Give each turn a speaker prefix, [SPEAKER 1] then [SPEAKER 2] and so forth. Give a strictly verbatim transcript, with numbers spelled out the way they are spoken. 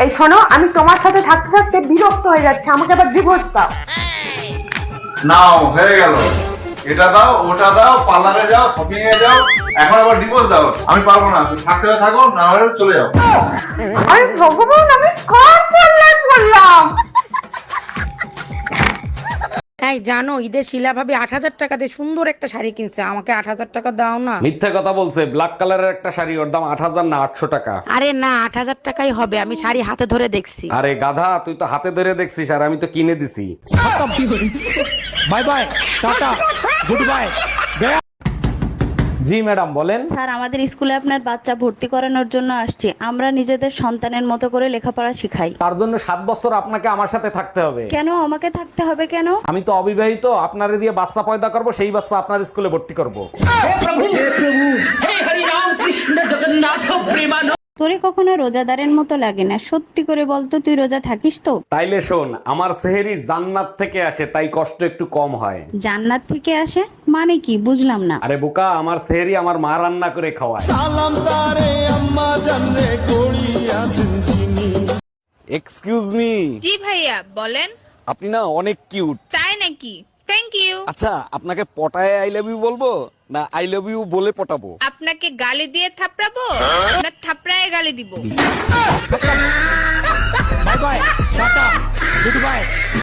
[SPEAKER 1] এই শোনো, আমি তোমার সাথে থাকতে থাকতে বিরক্ত হয়ে যাচ্ছে, আমাকে আবার ডিভোর্স দাও।
[SPEAKER 2] নাও, হয়ে গেল। এটা দাও, ওটা দাও, পার্লারে যাও, শপিং এ যাও, এখন আবার ডিভোর্স দাও। আমি পারবো না, তুমি থাকতে হলে থাকো, না হলে চলে যাও।
[SPEAKER 1] আরে ভগবান, আমি কার পাল্লায় পড়লাম?
[SPEAKER 3] এই জানো, ঈদের শিলা ভাবি আট হাজার টাকা দিয়ে সুন্দর একটা শাড়ি কিনছে, আমাকে আট হাজার টাকা দাও না।
[SPEAKER 4] মিথ্যে কথা বলছে। ব্ল্যাক কালারের একটা শাড়ি, ওর দাম আট হাজার না আটশো টাকা।
[SPEAKER 3] আরে না, আট হাজার টাকাই হবে, আমি শাড়ি হাতে ধরে দেখছি।
[SPEAKER 4] আরে গাধা, তুই তো হাতে ধরে দেখছিস আর আমি তো কিনে দিছি।
[SPEAKER 5] Bye bye, tata, good bye.
[SPEAKER 4] জি ম্যাডাম, বলেন।
[SPEAKER 6] স্যার, আমাদের স্কুলে আপনার বাচ্চা ভর্তি করানোর জন্য আসছে। আমরা নিজেদের সন্তানের মতো করে লেখাপড়া শিখাই।
[SPEAKER 4] তার জন্য সাত বছর আপনাকে আমার সাথে থাকতে হবে।
[SPEAKER 6] কেন আমাকে থাকতে হবে কেন?
[SPEAKER 4] আমি তো অবিবাহিত, আপনারে দিয়ে বাচ্চা পয়দা করব, সেই বাচ্চা আপনার স্কুলে ভর্তি করব।
[SPEAKER 6] তোরে কখনো রোজাদারের মতো লাগে না, সত্যি করে বলতো তুই রোজা থাকিস তো?
[SPEAKER 4] তাইলে শোন, আমার সেহেরি জান্নাত থেকে আসে, তাই কষ্ট একটু কম হয়।
[SPEAKER 6] জান্নাত থেকে আসে মানে কি, বুঝলাম না।
[SPEAKER 4] আরে বোকা, আমার সেহেরি আমার মা রান্না করে খাওয়ায়।
[SPEAKER 5] সালাম তারে আম্মা জানলে করিয়াছেন যিনি।
[SPEAKER 4] Excuse me.
[SPEAKER 7] জি ভাইয়া বলেন।
[SPEAKER 4] আপনি না অনেক কিউট।
[SPEAKER 7] তাই নাকি? Thank you.
[SPEAKER 4] আচ্ছা, আপনাকে পটায় আই লাভ ইউ বলবো না আই লাভ ইউ বলে পটাবো?
[SPEAKER 7] আপনাকে গালি দিয়ে থাপড়াবো না থাপড়ায় গালি দিব?
[SPEAKER 5] Bye bye, tata, good by.